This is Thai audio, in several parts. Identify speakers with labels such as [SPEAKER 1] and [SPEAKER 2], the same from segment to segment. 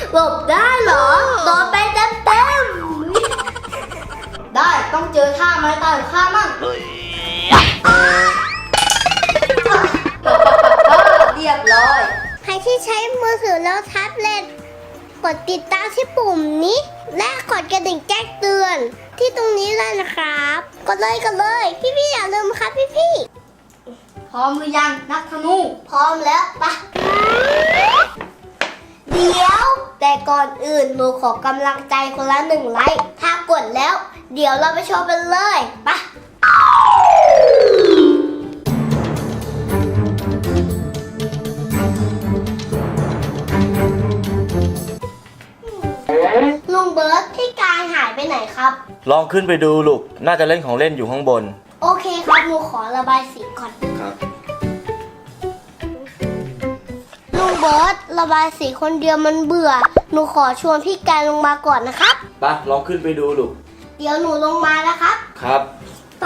[SPEAKER 1] หลบได้เหรอโดนไปเต็มๆได้ต้องเจอท่าไม้ตายข้ามั่งเรียบร้อย
[SPEAKER 2] ใครที่ใช้มือถือแล้วแท็บเล็ตกดติดตามที่ปุ่มนี้และกดกระดิ่งแจ้งเตือนที่ตรงนี้เลยนะครับกดเลยพี่ๆอย่าลืมครับพี่
[SPEAKER 1] พร้อมหรือยังนักธนู
[SPEAKER 2] พร้อมแล้วปะเดี๋ยวแต่ก่อนอื่นหนูขอกำลังใจคนละ1 ไลค์ถ้ากดแล้วเดี๋ยวเราไปชมกันเลยปะลุงเบิร์ตที่กายหายไปไหนครับ
[SPEAKER 3] ลองขึ้นไปดูลูกน่าจะเล่นของเล่นอยู่ข้างบน
[SPEAKER 2] โอเคครับหนูขอระบายสีก่อน
[SPEAKER 3] ครับ
[SPEAKER 2] ลุงเบิร์ตระบายสีคนเดียวมันเบื่อหนูขอชวนพี่กายลงมาก่อนนะครับ
[SPEAKER 3] ไปลองขึ้นไปดูลูก
[SPEAKER 2] เดี๋ยวหนูลงมานะครับ
[SPEAKER 3] ครับ
[SPEAKER 2] ไป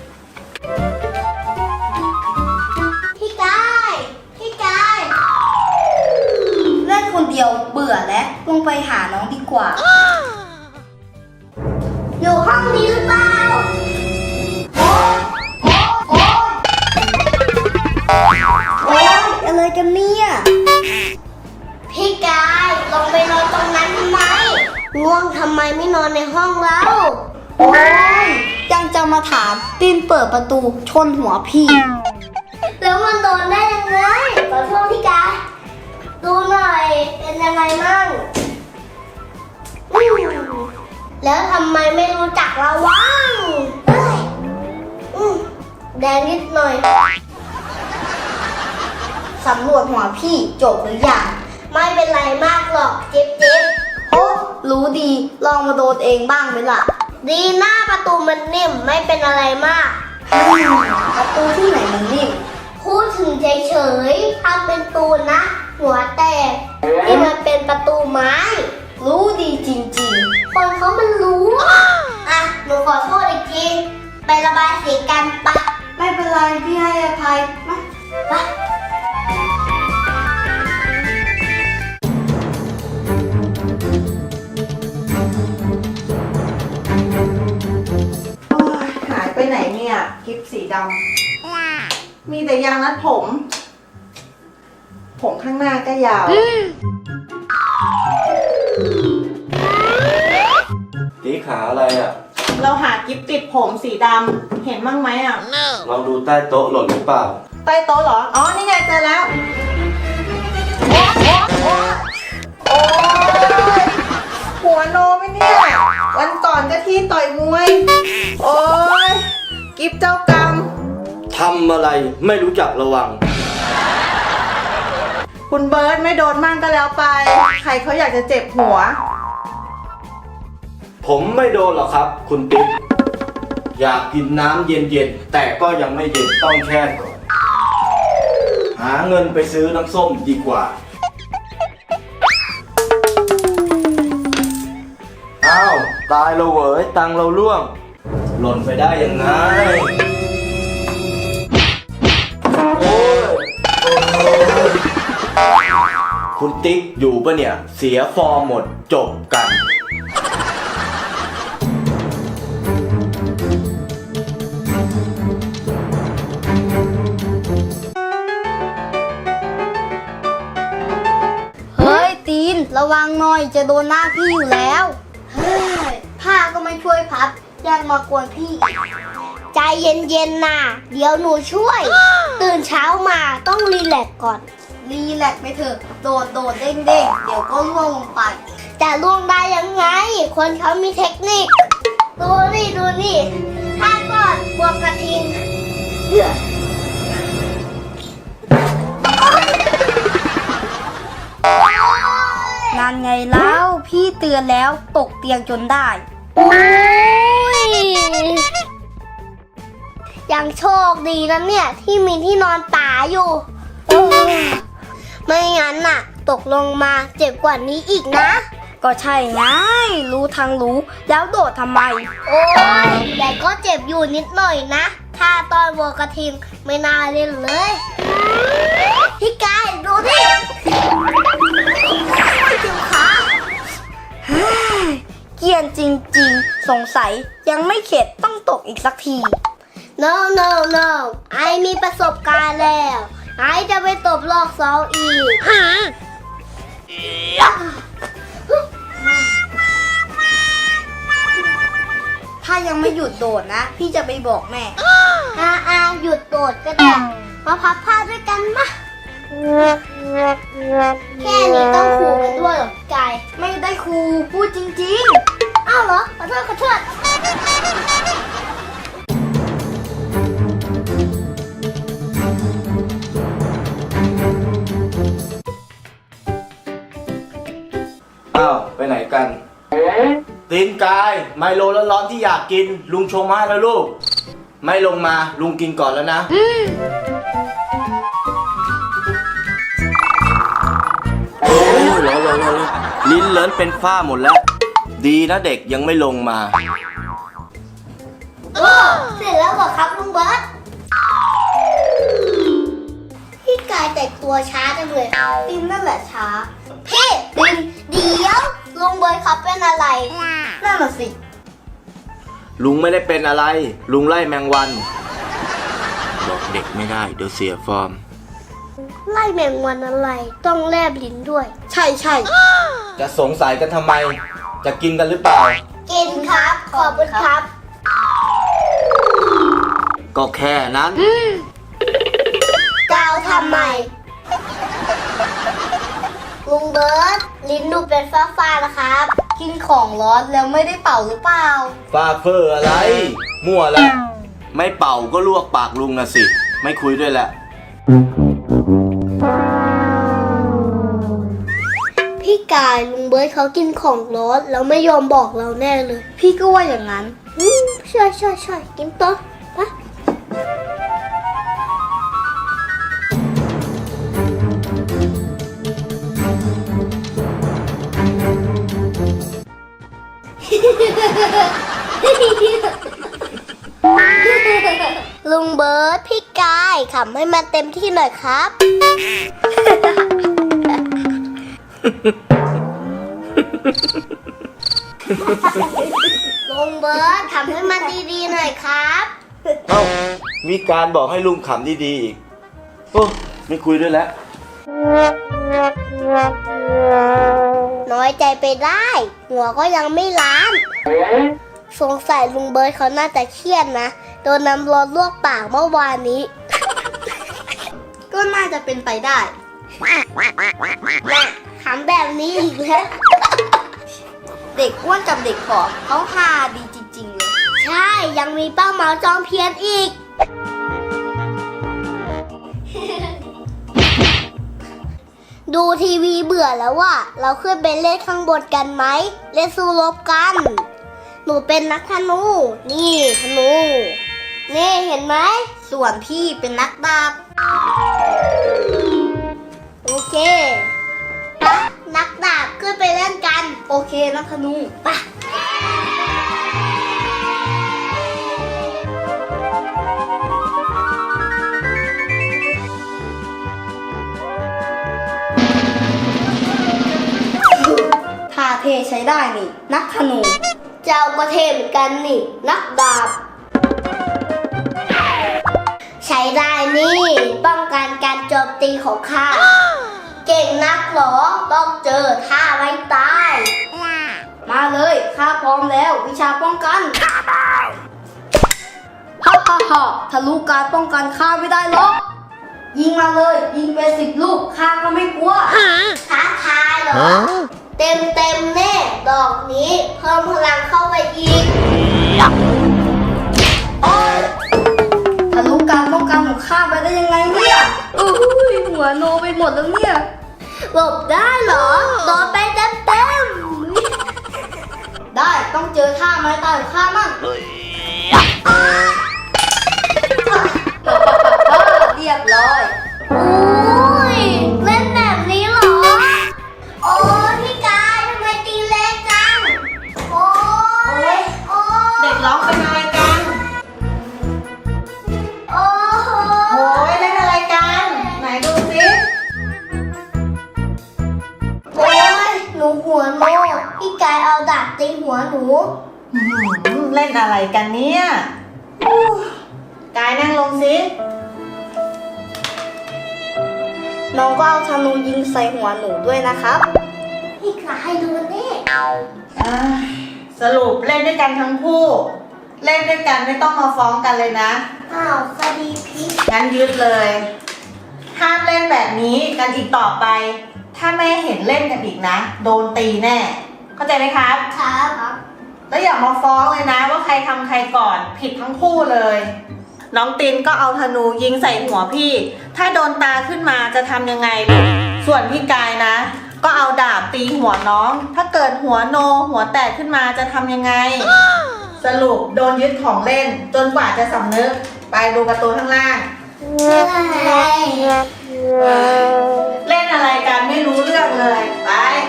[SPEAKER 2] พี่กาย
[SPEAKER 1] เล่นคนเดียวเบื่อแล้วลงไปหาน้องดีกว่า
[SPEAKER 2] อยู่ห้องนี้หรือเปล่า
[SPEAKER 1] โอ๊ยอะไรกันเนี่ย
[SPEAKER 2] พี่กายลงไปนอนตรงนั้นทำไมง่วงทำไมไม่นอนในห้องเรา
[SPEAKER 1] โอ๊ยยังจะมาถามตีนเปิดประตูชนหัวพี่
[SPEAKER 2] แล้วมันโดนได้ยังไงขอโทษพี่กายดูหน่อยเป็นยังไงมั่งแล้วทำไมไม่รู้จักระวังแดงนิดหน่อย
[SPEAKER 1] สำรวจหัวพี่จบหรือยัง
[SPEAKER 2] ไม่เป็นไรมากหรอกเจ็บ
[SPEAKER 1] โอ้รู้ดีลองมาโดนเองบ้างไหมล่ะ
[SPEAKER 2] ดีหน้าประตูมันนิ่มไม่เป็นอะไรมาก
[SPEAKER 1] ประตูที่ไหนมันนิ่ม
[SPEAKER 2] พูดถึงเฉยๆทำเป็นตูนนะหัวแตกที่มันเป็นประตูไม้
[SPEAKER 1] รู้ดีจริง
[SPEAKER 2] ๆคนเขามันรู้อ่ะหนูขอโทษอีกทีไประบายสีกันปะ
[SPEAKER 1] ไม่เป็นไรพี่ให้อภัยมา
[SPEAKER 2] ปะ
[SPEAKER 4] หายไปไหนเนี่ยกิฟสีดำมีแต่ยางรัดผมข้างหน้าก็ยาว
[SPEAKER 3] ตีขาอะไรอ่ะ
[SPEAKER 4] เราหากิฟติดผมสีดำเห็นบ้างไหมอ่ะ
[SPEAKER 3] ลองดูใต้โต๊ะหล่นหรือเปล่า
[SPEAKER 4] ใต้โต๊ะเหรออ๋อนี่ไงเจอแล้วโอ้ยหัวโนไหมเนี่ยวันก่อนก็ที่ต่อยมวยโอ้ยกิฟเจ้ากรรม
[SPEAKER 3] ทำอะไรไม่รู้จักระวัง
[SPEAKER 4] คุณเบิร์ตไม่โดนมั่งก็แล้วไปใครเขาอยากจะเจ็บหัว
[SPEAKER 3] ผมไม่โดนหรอกครับคุณติ๊กอยากกินน้ำเย็นๆแต่ก็ยังไม่เย็นต้องแช่ก่อนหาเงินไปซื้อน้ำส้มดีกว่าอ้าวตายเราเหวยตังเราล่วงหล่นไปได้ยังไงโอ้ยคุณติ๊กอยู่ปะเนี่ยเสียฟอร์มหมดจบกัน
[SPEAKER 1] เฮ้ยตีนระวังหน่อยจะโดนหน้าพี่อยู่แล้วเฮ้ยผ้าก็ไม่ช่วยพับยังมากวนพี่
[SPEAKER 2] ใจเย็นๆนะเดี๋ยวหนูช่วยตื่นเช้ามาต้องรีแลกซ์ก่อน
[SPEAKER 1] รีแลกซ์ไปเถอะโดดเด้งเดี๋ยวก็ล่วงลงไป
[SPEAKER 2] จะล่วงได้ยังไงคนเขามีเทคนิคดูนี่ถ้าก่อนบวกกระทิง
[SPEAKER 1] นั่นไงเล่าพี่เตือนแล้วตกเตียงจนได้
[SPEAKER 2] โอ้ยยังโชคดีนะเนี่ยที่มีที่นอนป่าอยู่ไม่งั้นน่ะตกลงมาเจ็บกว่านี้อีกนะ
[SPEAKER 1] ก็ใช่ไงรู้ทั้งรู้แล้วโดดทำไม
[SPEAKER 2] โอ้ยแต่ก็เจ็บอยู่นิดหน่อยนะถ้าตอนวัวกระทิงไม่น่าเล่นเลยพี่กายดูดิเจ็บขา
[SPEAKER 1] ยนจริงๆ สงสัยยังไม่เข็ดต้องตกอีกสักที
[SPEAKER 2] no no no ไอมีประสบการณ์แล้ว ไอจะไปตบรอบ2อีก
[SPEAKER 1] ถ้ายังไม่หยุดโดดนะ พี่จะไปบอกแม่
[SPEAKER 2] หยุดโดดก็ได้ มาพับผ้าด้วยกันมาแค่นี้ต้องขู่กันด้วยเหรอพี่กาย
[SPEAKER 1] ไม่ได้ครูพูดจริง
[SPEAKER 2] อ้าวเหรอ ขอโทษขอโทษ
[SPEAKER 3] อ้าวไปไหนกัน ตีนกายไมโลร้อนๆที่อยากกิน ลุงชงมาให้แล้วลูก ไม่ลงมาลุงกินก่อนแล้วนะโอ้ยร้อนลิ้นเลินเป็นฝ้าหมดแล้ว ดีนะเด็กยังไม่ลงมา
[SPEAKER 2] โอ้เสร็จแล้วเหรอครับลุงเบิร์ตพี่กายแต่งตัวช้าจังเลย
[SPEAKER 1] ๆตินนั่นแหละช้า
[SPEAKER 2] พี่ดินเดี๋ยวลุงเบิร์ตเขาเป็นอะไร
[SPEAKER 1] นั่นน่ะสิ
[SPEAKER 3] ลุงไม่ได้เป็นอะไร ลุงไล่แมงวัน บอกเด็กไม่ได้เดี๋ยวเสียฟอร์ม
[SPEAKER 2] ไล่แมงวันอะไร ต้องแลบลิ้นด้วย
[SPEAKER 1] ใช่ใช่
[SPEAKER 3] จะสงสัยกันทำไม จะกินกันหรือเปล่า
[SPEAKER 2] กินครับ ขอบคุณครับ
[SPEAKER 3] ก็แค่นั้น
[SPEAKER 2] เจ้าทำไม ลุงเบิร์ตลิ้นดูเป็นฟ้าๆนะครับ
[SPEAKER 1] กินของร้อนแล้วไม่ได้เป่าหรือเปล่า
[SPEAKER 3] ฟ้าเฟอร์อะไร มั่วละ ไม่เป่าก็ลวกปากลุงนะสิ ไม่คุยด้วยแหละ
[SPEAKER 2] พี่กายลุงเบิร์ตเขากินของร้อนแล้วไม่ยอมบอกเราแน่เลย
[SPEAKER 1] พี่ก็ว่าอย่างนั้น
[SPEAKER 2] ใช่กินต่อปะ ลุงเบิร์ตพี่กายขำให้มันเต็มที่หน่อยครับ ลุงเบิร์ตทำให้มันดีๆหน่อยครับ
[SPEAKER 3] เอ้า มีการบอกให้ลุงขำดีๆอีก โอ้ไม่คุยด้วยแล้ว
[SPEAKER 2] น้อยใจไปได้ หัวก็ยังไม่ล้าน สงสัยลุงเบิร์ตเขาน่าจะเครียดนะ โดนน้ำร้อนลวกปากเมื่อวานนี้
[SPEAKER 1] ก็น่าจะเป็นไปได้
[SPEAKER 2] น่ะขำแบบนี้อีกแล้ว
[SPEAKER 1] เด็กอ้วนกับเด็กผอมเขาฮาดีจริงๆเลย
[SPEAKER 2] ใช่ ยังมีป้าเหมาจอมเพียนอีก ดูทีวีเบื่อแล้วว่ะ เราขึ้นไปเล่นข้างบนกันไหม เล่นสู้รบกัน หนูเป็นนักธนู นี่ธนู นี่เห็นไหม
[SPEAKER 1] ส่วนพี่เป็นนักดาบ
[SPEAKER 2] โอเคปะนักดาบขึ้นไปเล่นกัน
[SPEAKER 1] โอเคนักธนู
[SPEAKER 2] ปะ
[SPEAKER 1] ท่าเทใช้ได้นี่ นักธนู
[SPEAKER 2] เจ้าก็เทเหมือนกันนี่ นักดาบ ใช้ได้นี่ ป้องกันการโจมตีของข้า เก่งนักเหรอ ต้องเจอท่าไว้ตาย
[SPEAKER 1] มาเลยข้าพร้อมแล้ว วิชาป้องกันฮ่าทะลุการป้องกันข้าไม่ได้หรอก ยิงมาเลย ยิงไป10 ลูกข้าก็ไม่กลัว
[SPEAKER 2] ท้าทายเหรอ เต็มแน่ดอกนี้เพิ่มพลังเข้าไปอีก
[SPEAKER 1] ทะลุการป้องกันของข้าไปได้ยังไงเนี่ยอุ้ยหัวโนไปหมดแล้วเนี่ย
[SPEAKER 2] หลบได้เหรอโดนไปเต็ม
[SPEAKER 1] ได้ต้องเจอท่าไม้ตายของข้ามั่งเรียบร้อย
[SPEAKER 2] โอ้ยเล่นแบบนี้เหรอ โอ้พี่กายทำไมตีเล็กจัง โอ้ยโอ้
[SPEAKER 4] เด็กร้องเป็นอะไรกัน
[SPEAKER 2] โอ้โห
[SPEAKER 4] โอ้ยเล่นอะไรกัน ไหนดูสิ
[SPEAKER 2] โอ้ยหนูหัวโนพี่พี่กายเอาดาบตีหัวหนู
[SPEAKER 4] เล่นอะไรกันเนี่ยอู้กายนั่งลงสิ
[SPEAKER 1] น้องก็เอาธนูยิงใส่หัวหนูด้วยนะครับ
[SPEAKER 2] พี่กายดูนี่
[SPEAKER 4] สรุปเล่นด้วยกันทั้งคู่ เล่นด้วยกันไม่ต้องมาฟ้องกันเลยนะ
[SPEAKER 2] อ้าวคดีพิษ
[SPEAKER 4] งั้นยึดเลย ห้ามเล่นแบบนี้กันอีกต่อไป ถ้าแม่เห็นเล่นกันอีกนะ โดนตีแน่ เข้าใจไหมครับ
[SPEAKER 2] ครับ
[SPEAKER 4] แล้วอย่ามาฟ้องเลยนะว่าใครทำใครก่อนผิดทั้งคู่เลย น้องตินก็เอาธนูยิงใส่หัวพี่ ถ้าโดนตาขึ้นมาจะทำยังไงลูกส่วนพี่กายนะ ก็เอาดาบตีหัวน้อง ถ้าเกิดหัวโนหัวแตกขึ้นมาจะทำยังไง สรุปโดนยึดของเล่น จนกว่าจะสำนึกไปดูการ์ตูนข้างล่าง เล่นอะไรกันไม่รู้เรื่องเลยไป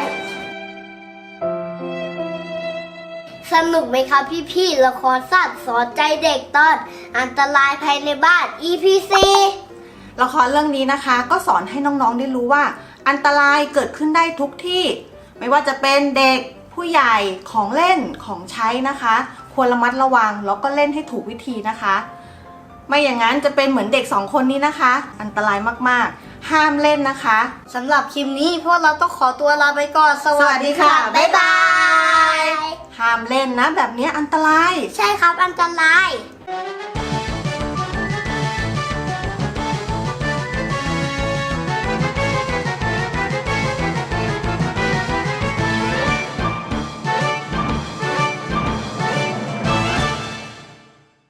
[SPEAKER 2] สนุกไหมครับพี่ๆละครสัตว์สอนใจเด็กตอนอันตรายภายในบ้าน EP4
[SPEAKER 4] ละครเรื่องนี้นะคะ ก็สอนให้น้องๆได้รู้ว่า อันตรายเกิดขึ้นได้ทุกที่ ไม่ว่าจะเป็นเด็กผู้ใหญ่ของเล่นของใช้นะคะ ควรระมัดระวังแล้วก็เล่นให้ถูกวิธีนะคะ ไม่อย่างนั้นจะเป็นเหมือนเด็ก2คนนี้นะคะ อันตรายมากๆ ห้ามเล่นนะคะ
[SPEAKER 1] สำหรับคลิปนี้พวกเราต้องขอตัวลาไปก่อน สวัสดีค่ะ
[SPEAKER 4] บ๊ายบาย ห้ามเล่นนะแบบนี้อันตราย
[SPEAKER 2] ใช่ครับอันตราย